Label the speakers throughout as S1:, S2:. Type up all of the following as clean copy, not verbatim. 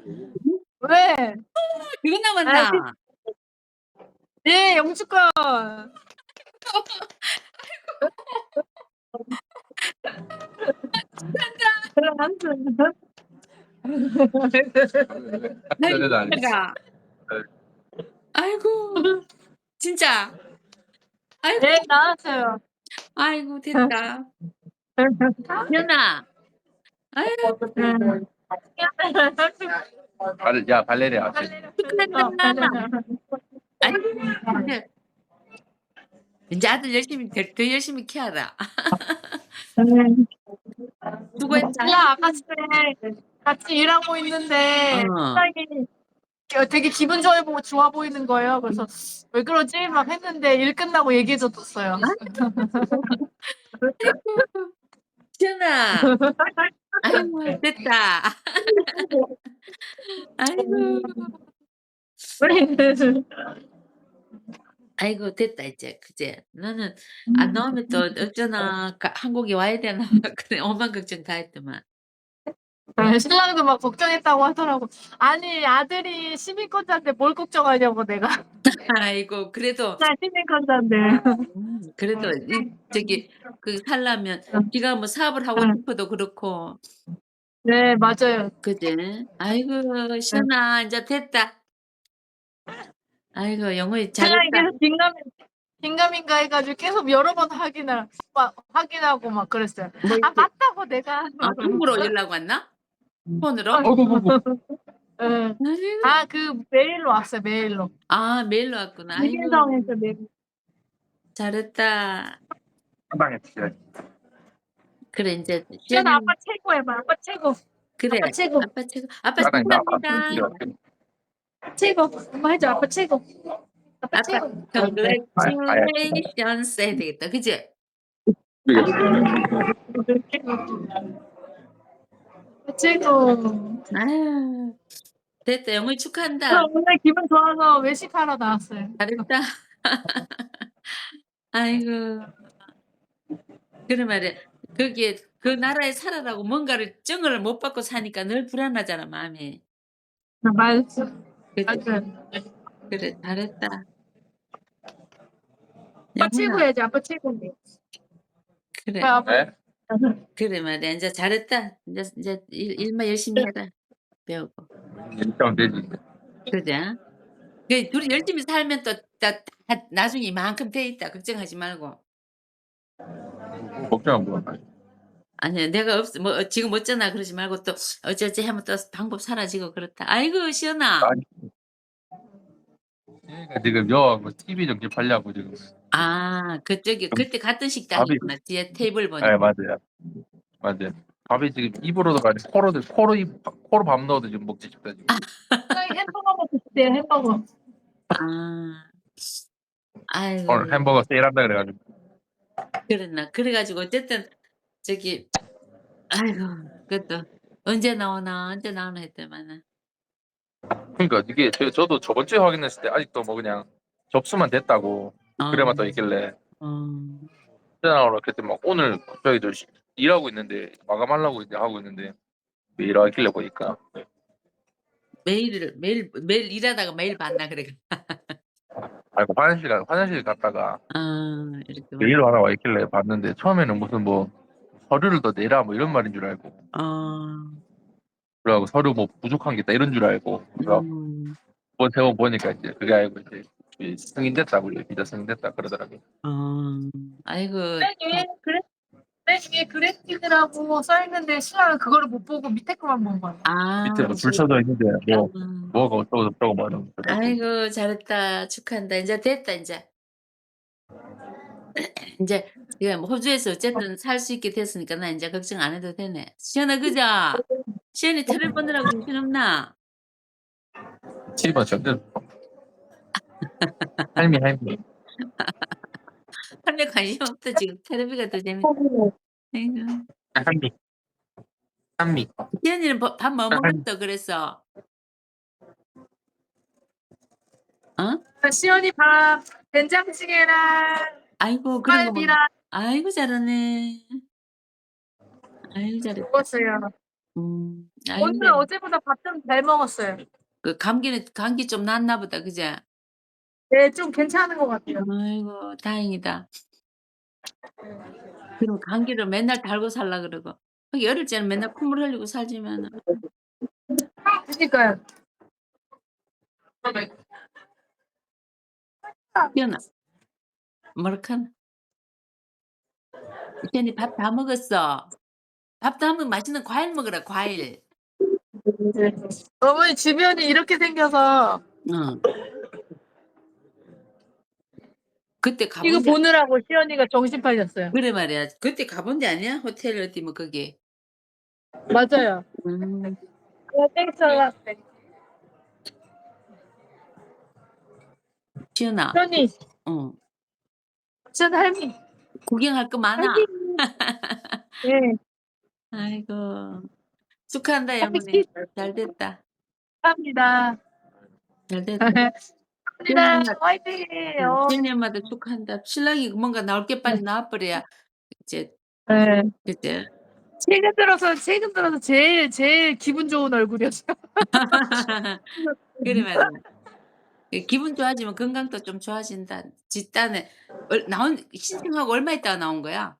S1: 왜?
S2: 그거
S1: 아, 그,
S2: 남았나?
S1: 네, 영주권.
S2: 아이고
S3: 그래도 안 했어.
S2: 가 아이고 진짜. 아이고
S1: 네, 나왔어요.
S2: 아이고 됐다. 연아. 아유
S1: 음.
S3: 야, 발레리아.
S2: 축하한다. 아이고 이제 아들 열심히 더 열심히 키워라. 수고했다.
S1: 신랑 아까 전에 같이 일하고 있는데
S2: 어.
S1: 신랑이 되게 기분 좋아 보이는 거예요. 그래서 왜 그러지? 막 했는데 일 끝나고 얘기해줬어요.
S2: 아이고 지연아. 아이고 됐다. 아이고. 아이고 됐다 이제. 그제. 나는 안 나오면 또 어쩌나 한국에 와야 되나 그래 오만 걱정 다 했더만.
S1: 네, 신랑도 막 걱정했다고 하더라고. 아니 아들이 시민권자인데 뭘 걱정하냐고 내가.
S2: 아이고 그래도
S1: 나 시민권자인데.
S2: 그래도 이 저기 살려면 지가 뭐 사업을 하고 싶어도 그렇고
S1: 네, 맞아요.
S2: 그지? 아이고
S1: 네.
S2: 시연아 인제 됐다. 아이고 영어이
S1: 신랑이
S2: 잘했다.
S1: 계속 긴가민가 해가지고 계속 여러 번 확인하고 막 그랬어요.
S2: 뭐
S1: 아,
S2: 이렇게
S1: 맞다고 내가.
S2: 톡으로 연락 왔나? 폰으로?
S1: 네.
S2: 아이고.
S1: 아, 그 메일로 왔어요. 메일로.
S2: 아 메일로 왔구나. 아이고
S1: 김인성에서 메일.
S2: 잘했다.
S3: 한 방에 치자.
S2: 그래 인제
S1: 시연아, 아빠
S2: 시연이는
S1: 최고 해봐. 아빠 최고.
S2: 그래.
S1: 아빠 최고.
S2: 아빠 최고. 아빠
S3: 까당이 나
S2: 축하합니다.
S1: 최고. 엄마 해줘. 아빠 최고. 아빠
S2: 아빠
S1: 최고.
S3: 아야.
S2: congratulations 해야 되겠다. 그지?
S1: 아빠 최고.
S2: 아유 됐다. 영호이
S1: 저
S2: 축하한다.
S1: 오늘 기분 좋아서 외식하러 나왔어요.
S2: 잘했다. 아이고. 그래 말이야. 거기에 그 나라에 살아라고 뭔가를 증을 못 받고 사니까 늘 불안하잖아 마음이.
S1: 맞아.
S2: 그지?
S1: 맞아요.
S2: 그래 잘했다.
S1: 아빠 최고
S2: 영훈아
S1: 해야지. 아빠 최고.
S2: 그래.
S1: 아빠.
S3: 네?
S2: 그래 말이야. 인제 잘했다. 인제 일만 열심히 해라. 배우고.
S3: 일단 되지.
S2: 그지? 그 둘이 열심히 살면 또 다 나중에 이만큼 돼 있다. 걱정하지 말고.
S3: 걱정은 뭐야.
S2: 아니야 내가 뭐 지금 어쩌나 그러지 말고 또 어쩌지 하면 또 방법 사라지고 그렇다. 아이고 시연아.
S3: 아니, 얘가 지금 여하고 TV 정집하려고 지금.
S2: 아 그쪽이 그때 갔던
S3: 밥이,
S2: 식당이구나. 뒤에 테이블
S3: 네,
S2: 보니까.
S3: 맞아요. 맞아요. 밥이 지금 입으로도 가지 코로 밥 넣어도 지금 먹지 싶다 지금.
S1: 햄버거 먹고 싶대요. 햄버거.
S2: 아. 아이고
S3: 오늘 햄버거 세일한다 그래가지고.
S2: 그랬나. 그래 가지고 어쨌든 저기 아이고 그것도 언제 나오나 했더만은.
S3: 그러니까 이게 저도 저번 주에 확인했을 때 아직도 뭐 그냥 접수만 됐다고
S2: 어.
S3: 그래만 떠 있길래
S2: 어.
S3: 언제 나오나 그랬더니 막 오늘 갑자기 저 일하고 있는데 마감하려고 이제 하고 있는데 일하길래 보니까
S2: 매일 일하다가 매일 봤나 그래.
S3: 아이고 화장실 갔다가
S2: 아 이렇게 와.
S3: 메일 하나 와 있길래 봤는데 처음에는 무슨 뭐 서류를 더 내라 뭐 이런 말인 줄 알고
S2: 어.
S3: 그래가지고 서류 뭐 부족한 게 있다 이런 줄 알고 그래서
S2: 음.
S3: 이번 세번 보니까 이제 그게 아니고 이제 승인됐다고 비자 승인됐다 그러더라고요.
S2: 어. 아이고
S1: 맨 위에 그래픽이라고 써있는데 신랑은 그거를 못 보고 밑에 거만 본 거야.
S2: 아.
S3: 밑에 뭐 줄 서져 있는데 뭐
S2: 음.
S3: 뭐가 어쩌고 저쩌고 뭐 이런 거.
S2: 아이고 잘했다. 축하한다. 인제 됐다 인제. 인제 지금 호주에서 어쨌든 살 수 있게 됐으니까 나 인제 걱정 안 해도 되네. 시연아 그죠? 시연이 텔레 보느라고 정신없나?
S3: 집어 저들 할미
S2: 할매 관심 없다 지금. 텔레비가 더 재밌다. 아이고.
S3: 할미 한미
S2: 시연이는 밥 뭐
S3: 할미
S2: 먹었어 그래서? 어?
S1: 시원이 밥 된장찌개랑
S2: 아이고 그런 거 먹네.
S1: 갈비랑
S2: 아이고 잘하네. 아이고 잘했다.
S1: 먹었어요.
S2: 아이 근데
S1: 오늘 어제보다 밥 좀 잘 먹었어요.
S2: 그 감기 좀 낫나 보다. 그지?
S1: 네, 좀 괜찮은 것 같아요.
S2: 아이고 다행이다. 그럼 감기를 맨날 달고 살라 그러고. 하긴 어릴 때는 맨날 콧물 흘리고 살지만은.
S1: 그니까요.
S2: 시연아 뭐라카나? 시연이 밥 다 먹었어. 밥 다 먹으면 맛있는 과일 먹으라 과일.
S1: 어머니 주변이 이렇게 생겨서
S2: 응. 그때
S1: 이거
S2: 가본 데
S1: 보느라고 시연이가 정신 팔렸어요.
S2: 그래 말이야. 그때 가본 데 아니야? 호텔 어디 뭐 거기.
S1: 맞아요.
S2: 음.
S1: 땡처럼
S2: 시연아.
S1: 시연이,
S2: 어.
S1: 시연 할미.
S2: 구경할 거 많아.
S1: 할미. 네.
S2: 아이고. 축하한다
S1: 할미
S2: 영훈이.
S1: 키
S2: 잘 됐다.
S1: 합니다.
S2: 잘 됐다. 시연이
S1: 합니다.
S2: 엄마
S1: 화이팅.
S2: 시연이 엄마도 축하한다. 신랑이 뭔가 나올 게 빨리 나와 버려야 이제
S1: 네.
S2: 그치?
S1: 최근 들어서 제일 기분 좋은 얼굴이었어요.
S2: 그래 말이야. 기분 좋아지면 건강도 좀 좋아진다. 집단에 나온 신청하고 얼마 있다가 나온 거야?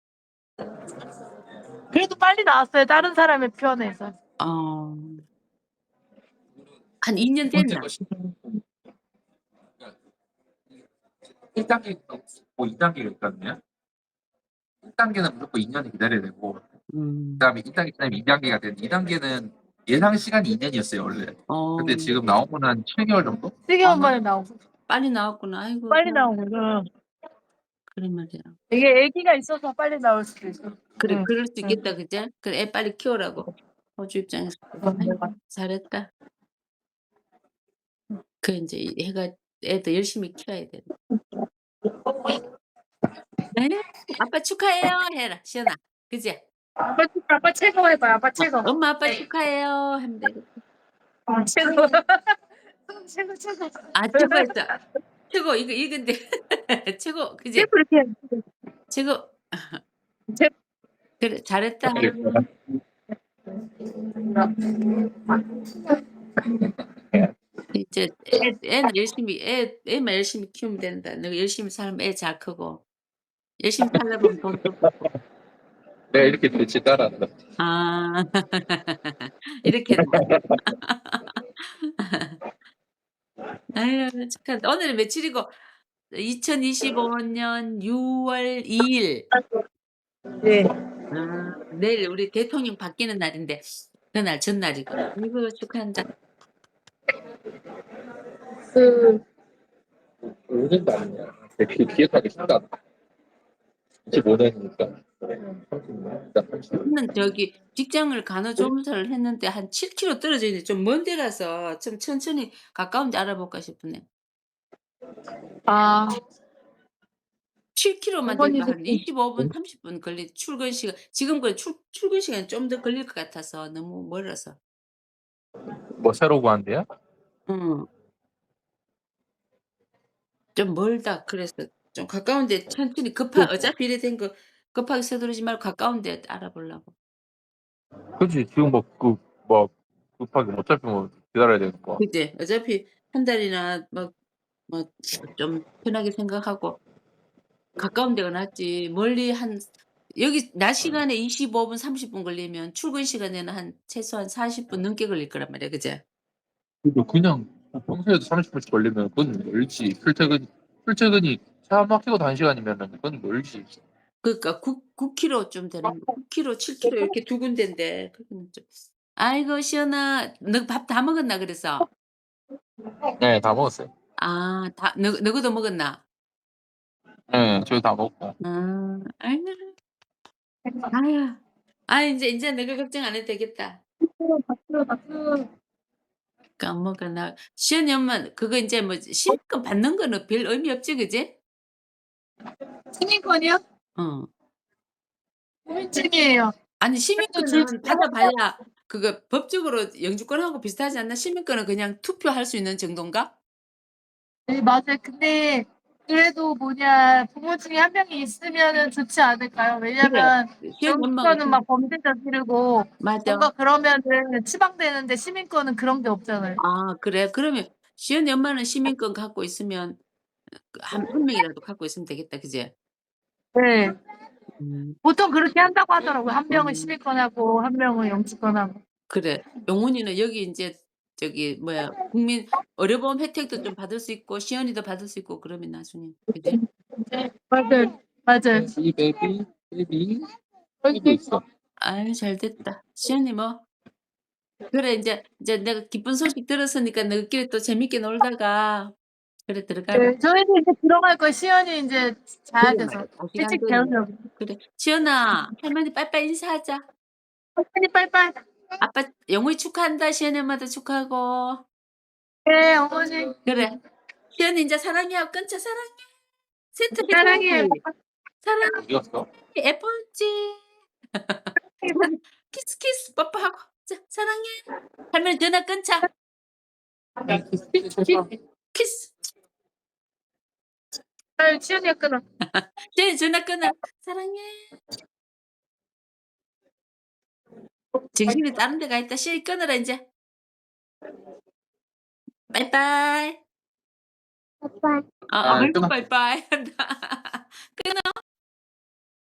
S1: 그래도 빨리 나왔어요. 다른 사람의 편에서.
S2: 어. 한 2년
S3: 두 번째
S2: 됐나?
S3: 거 1단계 뭐 2단계가 있거든요. 1단계는 무조건 2년을 기다려야 되고
S2: 음.
S3: 그다음에 2단계 기다리면 2단계가 되는데 2단계는 예상 시간이 2년이었어요 원래.
S2: 어.
S3: 근데 지금 나온 건 한 7개월 정도?
S1: 7개월 만에 나오고.
S2: 빨리 나왔구나. 아이고
S1: 빨리 나온 거죠.
S2: 그래 말이야.
S1: 이게 애기가 있어서 빨리 나올 수도 있어.
S2: 그래
S1: 응.
S2: 그럴 수 있겠다 그제? 그래 애 빨리 키우라고. 호주 입장에서. 아이고 잘했다. 그 인제 애가 애도 열심히 키워야 돼. 에 아빠 축하해요 해라 시연아. 그지?
S1: 아빠 최고 해봐요. 아빠 최고.
S2: 엄마 아빠 축하해요 하면 되겠다.
S1: 최고. 최고.
S2: 아 최고였다. 최고 이건데 최고 그지?
S1: 최고 이렇게.
S2: 최고.
S1: 최-
S2: 그래 잘했다. 이제 애는 열심히 애만 열심히 키우면 된다. 너가 열심히 살면 애 잘 크고 열심히 살다 보면 돈도 벌고.
S3: 내가 이렇게 될지 따라한다.
S2: 아 이렇게 된다. 아유 축하한다. 오늘은 며칠이고 2025년 6월 2일.
S1: 네.
S2: 내일 우리 대통령 바뀌는 날인데 그날 전날이구나. 아이고 축하한다.
S1: 그
S3: 5년도 아니냐. 그 기억하기 쉽다. 25년이니까. 30년. 일단 30년.
S2: 저는 저기 직장을 간호조무사를 했는데 한 7km 떨어져 있는데 좀 먼 데라서 좀 천천히 가까운 데 알아볼까 싶으네.
S1: 아,
S2: 7km만 돼도
S1: 어머니도
S2: 한 25분, 30분 걸리 출근 시간 지금 그 출근 시간이 좀 더 걸릴 것 같아서 너무 멀어서.
S3: 뭐 새로 구한대요?
S2: 응. 좀 멀다. 그래서 좀 가까운 데 천천히 어차피 이래 된 거 급하게 서두르지 말고 가까운 데 알아보려고.
S3: 그렇지. 지금 뭐 급하게 어차피 뭐 기다려야 되는 거.
S2: 그지? 어차피 한 달이나 뭐 좀 편하게 생각하고 가까운 데가 낫지. 멀리 여기 낮 시간에 25분, 30분 걸리면 출근 시간에는 최소한 40분 넘게 걸릴 거란 말이야. 그지?
S3: 그리고 그냥 평소에도 30분씩 걸리면 그건 멀지. 출퇴근이 차 막히고 단 시간이면은 그건 멀지.
S2: 그러니까 9km쯤 되는 거 9km, 7km 이렇게 두 군데인데 그거는 좀 아이고 시연아 너 밥 다 먹었나 그래서?
S3: 네, 다 먹었어요.
S2: 아 다 너도 먹었나?
S3: 네, 저희 다 먹고.
S2: 아이고 아유. 아 인제 너가 걱정 안 해도 되겠다.
S1: 박수.
S2: 까먹어 나 시연이 엄마 그거 인제 뭐 신입금 받는 거는 별 의미 없지 그지?
S1: 시민권이요?
S2: 어.
S1: 후민증이에요.
S2: 아니
S1: 그래도 줄
S2: 시민권은 받아봐야 그거 법적으로 영주권하고 비슷하지 않나? 시민권은 그냥 투표할 수 있는 정도인가?
S1: 네, 맞아요. 근데 그래도 뭐냐 부모 중에 한 명이 있으면은 좋지 않을까요?
S2: 그래.
S1: 왜냐면
S2: 시연이 엄마가
S1: 영주권은 막 범죄 저지르고
S2: 맞아.
S1: 뭔가 그러면은 추방되는데 시민권은 그런 게 없잖아요.
S2: 아 그래? 그러면 시연이 엄마는 시민권 갖고 있으면 한 명이라도 갖고 있으면 되겠다. 그지?
S1: 네.
S2: 음.
S1: 보통 그렇게 한다고 하더라고요. 한 명은
S2: 음.
S1: 시민권하고 한 명은 영주권하고.
S2: 그래. 용훈이는 여기 인제 저기 뭐야 국민 의료보험 혜택도 좀 받을 수 있고 시연이도 받을 수 있고 그러면 나중에. 그지?
S1: 네. 맞아요. 맞아요.
S3: 이 베이비 있어.
S2: 아유 잘됐다. 시연이 뭐 그래 인제 내가 기쁜 소식 들었으니까 너희끼리 또 재밌게 놀다가 그래 들어가라.
S1: 네. 저희도 이제 들어갈 거예요. 시연이 인제 자야
S2: 그래
S1: 돼서.
S2: 말이야. 다 시간
S1: 일찍
S2: 되네.
S1: 재우려고.
S2: 그래. 시연아 할머니 빠이빠이 인사하자.
S1: 할머니 빠이빠이.
S2: 아빠 영훈이 축하한다. 시연이 엄마도 축하하고.
S1: 네 어머니.
S2: 그래. 시연이 인제 사랑해 하고 끊자. 사랑해. 세트
S1: 사랑해요.
S2: 해줘야지. 사랑해.
S3: 어디 갔어?
S2: 예쁘지? 키스 키스 뽀뽀하고. 자 사랑해. 할머니 전화 끊자. 키스.
S1: 아유 시연이가 끊어.
S2: 시연이 전화 끊어. 사랑해. 정신이 다른 데 가 있다. 시연이 끊어라 인제. 빠이빠이.
S1: 빠이빠이.
S2: 아이고
S3: 끊어.
S2: 빠이빠이 한다. 끊어.